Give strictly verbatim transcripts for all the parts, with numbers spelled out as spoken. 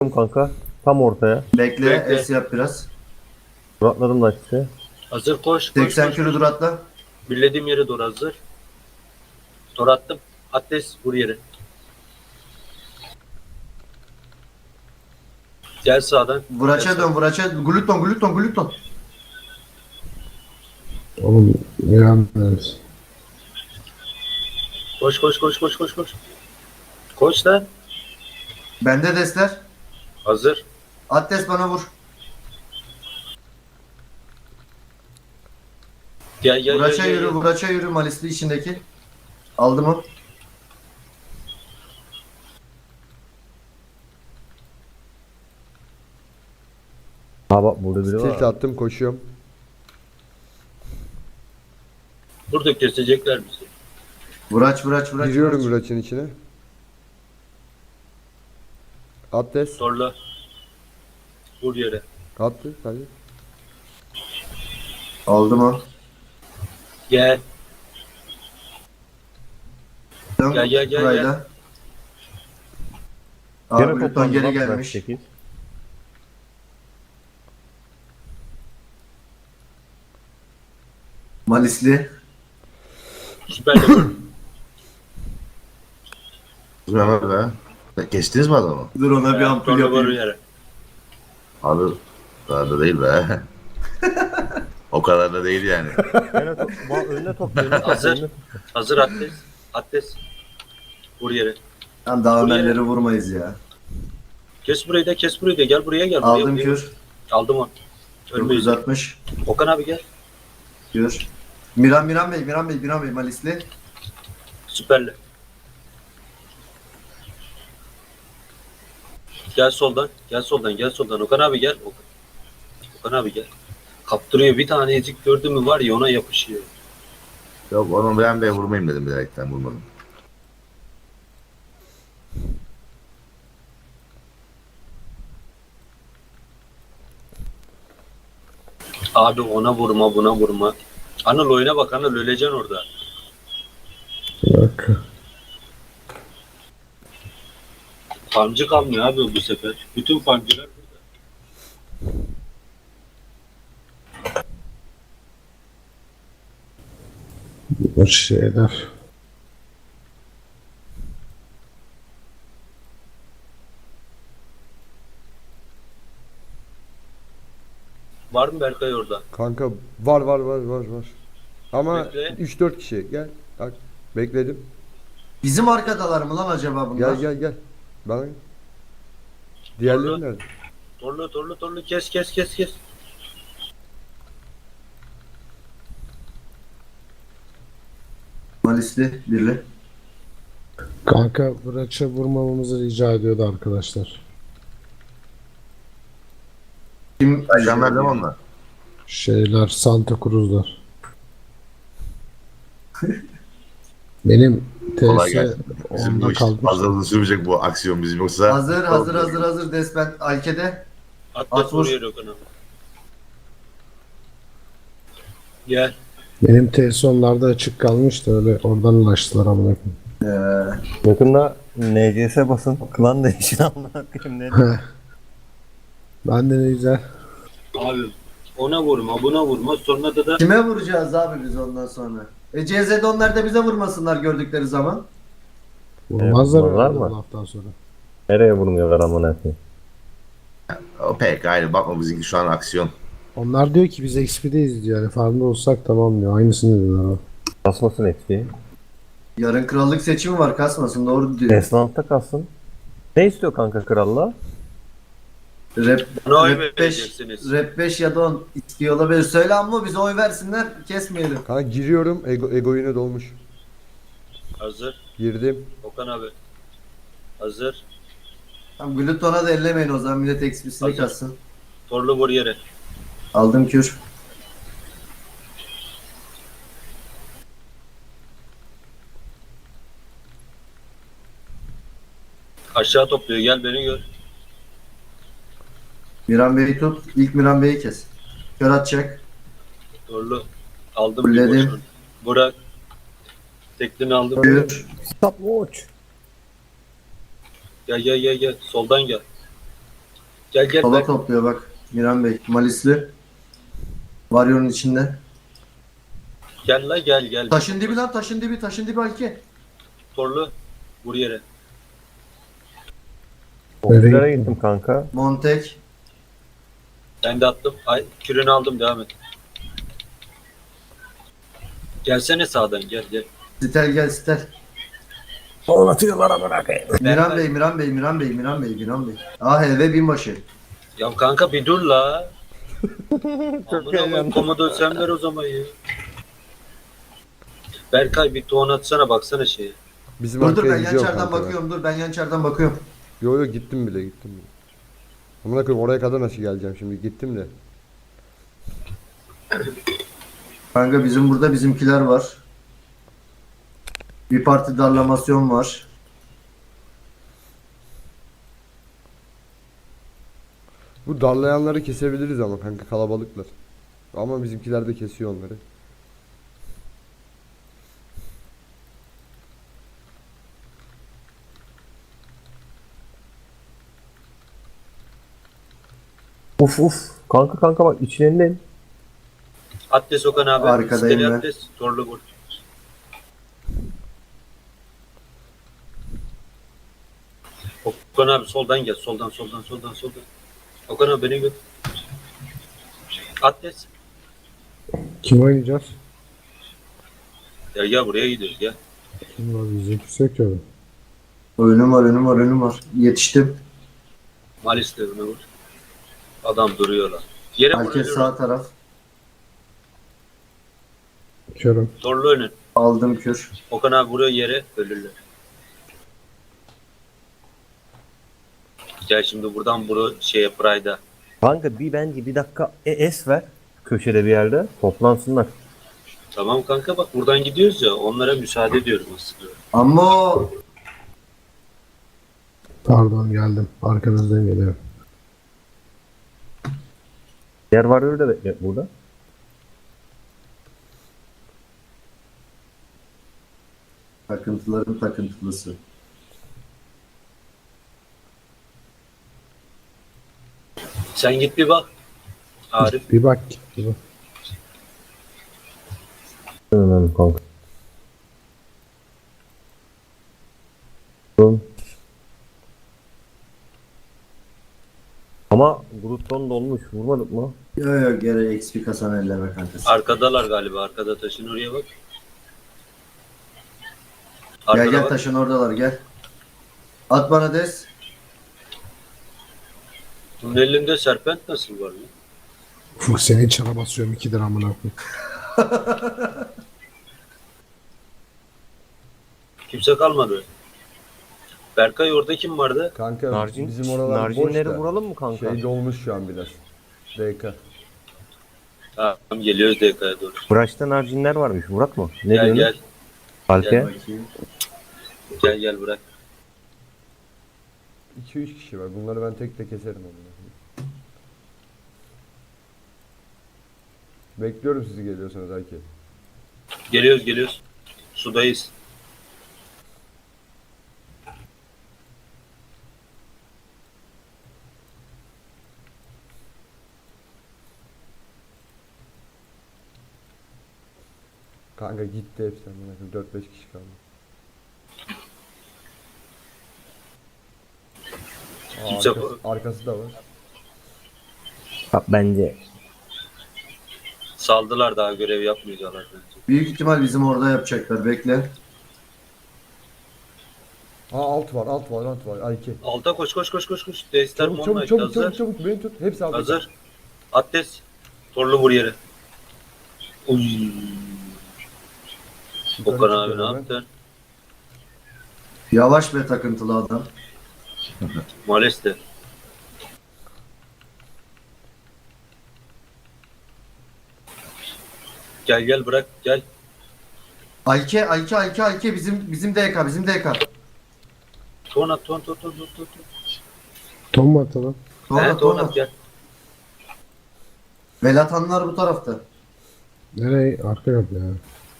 Kanka. Tam ortaya. Bekle, Bekle. es yap biraz. Atladım da işte. Hazır koş. koş, seksen koş. kilo dur atla. Birlediğim yere doğru hazır. Tor attım. Ateş vur yere. Gel sağdan. Vuraça Gel dön, sağdan. vuraça. Gluton, gluton, gluton. Oğlum inanmıyoruz. Koş koş koş koş koş koş. Koş da. Bende desler. Hazır. Attes bana vur. Gel gel gel. Vuraça gel, yürü, gel. vuraça yürü Malisli içindeki. Aldım o. Ha bak burada biri Tilt var. attım koşuyorum. Burada kesecekler bizi. Vuraç, vuraç, vuraç. Giriyorum vuraç. Muraç'ın içine. Atlas. Torla. Vur yere. Attı. Hadi. Aldım o. Gel. Dön Gel, gel, gel, burayla. Gene Abi Gluton toplandı geri lan, gelmiş. sekiz. Malisli. Süper de vur. Mehmet be. Geçtiniz mi adamı? Dur ona bir ampul Torla vur yapayım. yere. Abi daha da değil be. O kadar da değil yani. Gene top. Bak önüne top. Önüne top. Hazır. önüne top. Hazır Ateş. Ateş. Vur yere. Tamam daha Buraya. Ömerleri vurmayız ya. Kes burayı da kes burayı da. Gel buraya gel. Buraya, Aldım buraya. kür. Aldım onu. Ölmeyiz. dokuz yüz altmış. Okan abi gel. Kür. Miran, Miran Bey, Miran Bey, Miran Bey Malisli. Süperle. Gel soldan. Gel soldan. Gel soldan. Okan abi gel. Okan, Okan abi gel. Kaptırıyor. Bir tane ezik gördü mü var ya ona yapışıyor. Yok onu ben de vurmayayım dedim direkten vurmadım. Abi ona vurma buna vurma. Anıl oyuna bak Anıl öleceksin orada. Bak. Farmcı kalmıyor abi bu sefer. Bütün farmcılar burada. Bu şeyler. Var mı Berkay orada? Kanka var var var var var. Ama Bekle. üç dört kişi. Gel. Bak. Bekledim. Bizim arkadalar mı lan acaba bunlar? Gel gel gel. Bana gel. Diğerleri Doğru. nerede? Torlu torlu torlu kes kes kes kes. Malisli, birli. Kanka Vıraç'a vurmamamızı rica ediyordu arkadaşlar. Kim? Ajanlar değil mi onlar? Şeyler Santa Cruz'lar. Benim Kolay T S gelsin. Bizim bu onda iş kalmış. fazla uzun sürmeyecek bu aksiyon bizim yoksa. Hazır, hazır, hazır, hazır. Despen Alke'de. Atlas At vur. vuruyor Okan abi. Gel. Benim T S onlarda açık kalmıştı öyle oradan ulaştılar amına koyayım. Ee, Yakında N C S basın. Klan değişin amına koyayım ne? Ben de ne güzel. Abi ona vurma buna vurma sonra da da kime vuracağız abi biz ondan sonra? E C Z'de onlar da bize vurmasınlar gördükleri zaman. Vurmazlar Evet, vururlar herhalde mı? bu laftan sonra. Nereye vurmuyorlar amına koyayım? O pek aynı bakma bizimki şu an aksiyon. Onlar diyor ki biz X P'deyiz diyor. Yani farmda olsak tamam diyor. Aynısını diyorlar abi. Kasmasın eksiği. Yarın krallık seçimi var kasmasın doğru diyor. Esnafta kalsın. Ne istiyor kanka kralla? Rap, bana oy rap beş, vereceksiniz. rap beş ya da on istiyor olabilir. Söyle ama bize oy versinler kesmeyelim. Kanka giriyorum. Ego, ego yine dolmuş. Hazır. Girdim. Okan abi. Hazır. Tamam Gluton'a da ellemeyin o zaman millet ekspisini Hazır. kassın. Torlu vur yere. Aldım kür. Aşağı topluyor gel beni gör. Miran Bey'i tut. İlk Miran Bey'i kes. Kör atacak. Torlu. Aldım Fulledim. bir boşunu. Burak. Teklini aldım. Kür. Stop watch. Gel gel gel gel. Soldan gel. Gel gel Sola Berk. topluyor bak. Miran Bey. Malisli. Varyor'un içinde. Gel la gel gel. Taşın dibi lan taşın dibi taşın dibi Alki. Torlu. Vur yere. Okçulara gittim kanka. Montek. Ben de attım. Ay, kürünü aldım devam et. Gelsene sağdan gel gel. Stel gel Stel. Son atıyorlar amına koyayım. Miran Bey, Miran Bey, Miran Bey, Miran Bey, Miran Bey. Ah eve binbaşı. Ya kanka bir dur la. Çok Amına koyayım, heyecanlı. komodo sen ver o zaman ya. Berkay bir ton atsana baksana şeye. Bizim Dur dur arkaya ben gidiyor yan çardan kanka ben. bakıyorum. Dur ben yan çardan bakıyorum. Yo yo gittim bile gittim bile. Amına koyayım oraya kadar nasıl geleceğim şimdi gittim de. Kanka bizim burada bizimkiler var. Bir parti darlamasyon var. Bu darlayanları kesebiliriz ama kanka kalabalıklar. Ama bizimkiler de kesiyor onları. Uf uf. Kanka kanka bak içlerindeyim. Atlas Okan abi. Arkadayım Steli ben. Atlas. Torlu vur. Okan abi soldan gel. Soldan soldan soldan soldan. Okan abi beni gör. Atlas. Kim oynayacağız? Ya gel buraya gidiyoruz gel. Kim var? Bizimkisi yok ki öyle. Önüm var, önüm var, önüm var. Yetiştim. Malis de buna vur. Adam duruyor lan. Yere Herkes vuruyor. sağ taraf. Körüm. Torlu önün. Aldım kür. Okan abi vuruyor yere ölürler. Gel şimdi buradan bunu şeye Pride'a. Kanka bir bence bir dakika e, es ver. Köşede bir yerde toplansınlar. Tamam kanka bak buradan gidiyoruz ya onlara müsaade ediyorum aslında. Ama Pardon geldim. Arkanızdan geliyorum. Diğer varıyor da bekle burada. takıntıların takıntılısı. Sen git bir bak. Arif. Bir bak. Bir bak. Önemli kanka. Durun. Ama Gruton dolmuş. Vurmadık mı? Yo yo geri X P kasan elleme kankası. Arkadalar galiba. Arkada taşın oraya bak. Gel Arkada gel bak. taşın oradalar gel. At bana des. Bunun elinde serpent nasıl var lan? Ufuk seni çara basıyorum iki lira amına koyayım. Kimse kalmadı. Berkay orada kim vardı? Kanka Narcin, bizim oralar boş narcinleri da. vuralım mı kanka? Şey dolmuş şu an biraz. D K. Tamam geliyoruz D K'ya doğru. Bıraçta narcinler varmış. Vurak mı? Ne Gel diyorsun? gel. Alke? Gel Gel gel bırak. iki üç kişi var. Bunları ben tek tek keserim amına koyayım. Bekliyorum sizi geliyorsanız Ayki. Geliyoruz geliyoruz. Sudayız. Kanka gitti hepsi amına koyayım. dört beş kişi kaldı. Aa, Kimse- arkası, arkası da var. Bak bence Saldılar daha görev yapmayacaklar bence. Büyük ihtimal bizim orada yapacaklar. Bekle. Aa alt var, alt var, alt var. Ayki. Alta koş koş koş koş koş. Destar Çabuk Monlight çabuk çabuk hazır. çabuk çabuk beni tut. Hepsi altta. Hazır. Atlas. Torlu vur yere. Uy. Yukarı Okan abi çıkıyorum ne ben. yaptın? Yavaş ve takıntılı adam. Moleste. Gel gel bırak gel. Ayke, Ayke, Ayke, Ayke bizim bizim D K, bizim D K. Ton at ton ton ton ton ton. Tom mu atalım? Sonra He, ton sonra. at gel. Velatanlar bu tarafta. Nereye? Arka kapı ya.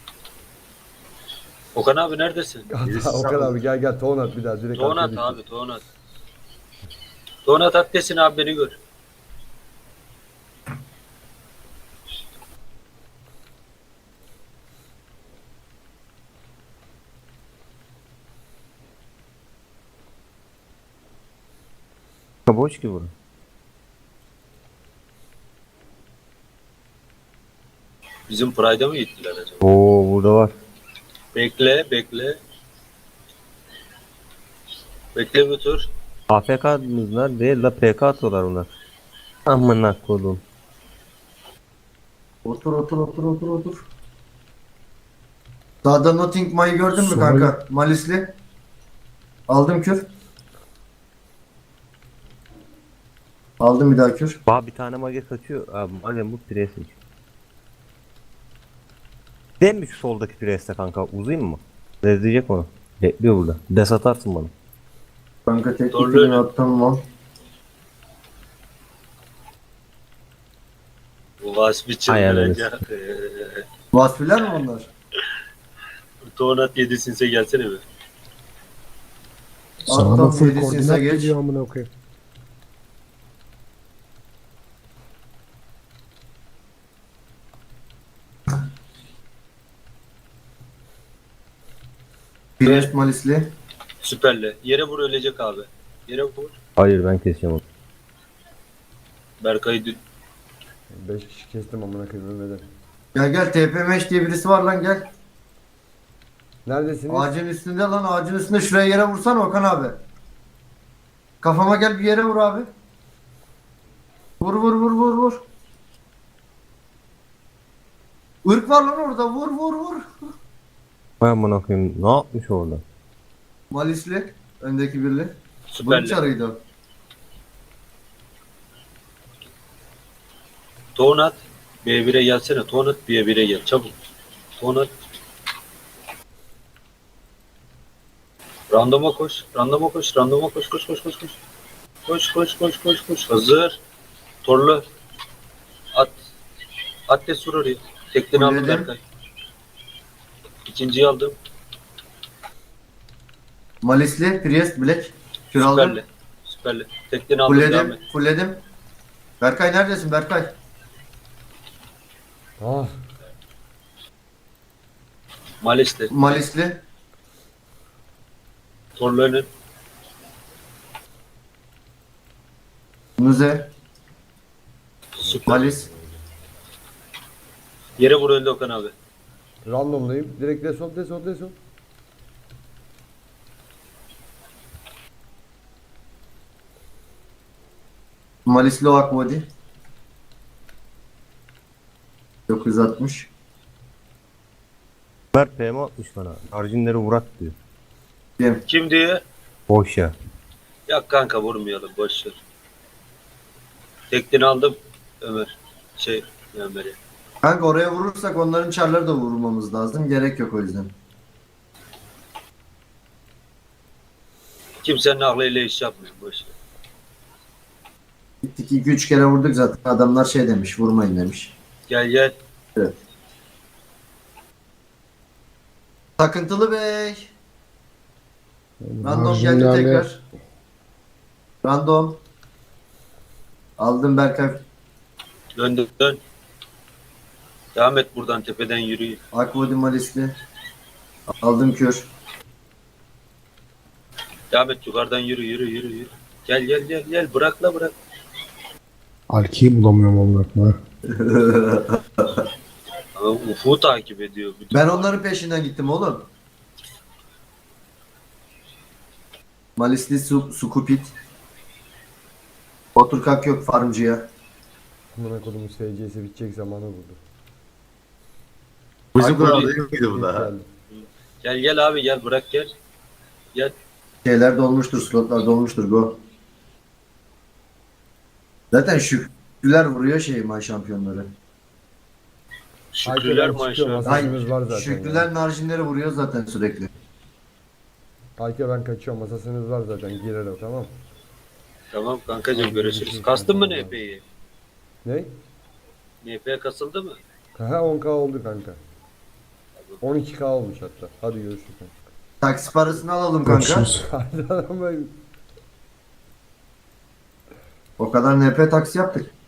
Okan abi neredesin? Hatta Okan abi gel gel ton at bir daha direkt Ton arkaya at düştü. abi ton at. Donat at desin abi beni gör. Boş ki burası. Bizim Pride'a mı gittiler acaba? Oo burada var. Bekle bekle. Bekle bir tur. A F K'mızlar değil la P K atıyorlar onlar. Amına kodum. Otur otur otur otur otur. Sağda Notting May'ı gördün mü Sol. kanka? Malisli. Aldım kür. Aldım bir daha kür. Bak bir tane mage kaçıyor. Abi mage bu presin. Değil mi şu soldaki preste kanka? Uzayım mı? Rezleyecek onu. Bekliyor burada. Des atarsın bana. Kanka tek Doğru. kürünü attım lan. Bu Vasfi Ayarlarız. çıldıracak. Vasfiler mi onlar? Donat yedisinse gelsene be. Sana Alttan da full yedisinize koordinat geç. geliyor amına koyayım. Priest Malisli. Süperle. Yere vur ölecek abi. Yere vur. Hayır ben keseceğim onu. Berkay'ı dü- beş kişi kestim amına koyayım ölmeden. Gel gel T P M H diye birisi var lan gel. Neredesiniz? Ağacın üstünde lan ağacın üstünde şuraya yere vursana Okan abi. Kafama gel bir yere vur abi. Vur vur vur vur vur. Irk var lan orada vur vur vur. Vay amına koyayım. Ne yapmış orada? Malisli. Öndeki birli. Bunun süperle. çarıydı o. Donat B bire gelsene. Donat B bire gel çabuk. Donat. Randoma koş. Randoma koş. Randoma koş. Koş koş koş koş. Koş koş koş koş koş. Hazır. Torlu. At. At de sur oraya. Tekten aldım Fulledim. Berkay. İkinciyi aldım. Malisli. Priest Black. Kür aldım. Süperle. Süperle. Tekten aldım. devam Fulledim. et. Fulledim. Berkay neredesin Berkay? Ah, Malis'te. Malisli. Torlu önün. Muze. Süper. Malis. Yere vur öldü Okan abi. randomdayım. Direkt desol desol desol. Malisli o Akmodi. dokuz yüz altmış. Ömer P M atmış bana. Arjinleri vurak diyor. Dem. Kim diye? Boş ya. Ya kanka vurmayalım boş ver. Tekten aldım Ömer. Şey Ömer'e. Kanka oraya vurursak onların çarları da vurmamız lazım. Gerek yok o yüzden. Kimsenin aklıyla iş yapmıyor boş ver. Gittik iki üç kere vurduk zaten. Adamlar şey demiş vurmayın demiş. Gel gel. Evet. Takıntılı Bey. Random geldi Marjinlerle tekrar. Random. Aldım Berkay. Dön dön dön. Devam et buradan tepeden yürü. Akvodi Malisli. Aldım kür. Devam et yukarıdan yürü yürü yürü yürü. Gel gel gel gel bırak la bırak. Alki'yi bulamıyorum amına koyayım. Ama Ufuk'u takip ediyor. Bütün Ben onların peşinden gittim oğlum. Malisli su, Sukupit. Otur kalk yok farmcıya. Amına kodumun S C'si bitecek zamanı buldu. Bizim Ay, kural bu- değil miydi bu da? Geldi. Gel gel abi gel bırak gel. Gel. Şeyler dolmuştur, slotlar dolmuştur go. Zaten Şükrüler vuruyor şey maç şampiyonları. Şükrüler Ayşe, ben çıkıyorum, maşallah. Hasan. Masasımız var zaten Şükrüler ya. marjinleri vuruyor zaten sürekli. Ayke ben kaçıyorum. Masasınız var zaten. Girer o tamam. Tamam kankacığım görüşürüz. Kastın mı N P'yi? Ne? N P kasıldı mı? Ha on K oldu kanka. on iki K olmuş hatta. Hadi görüşürüz. Taksi parasını alalım kanka. Görüşürüz. Hadi adam ben- O kadar N P taksi yaptık.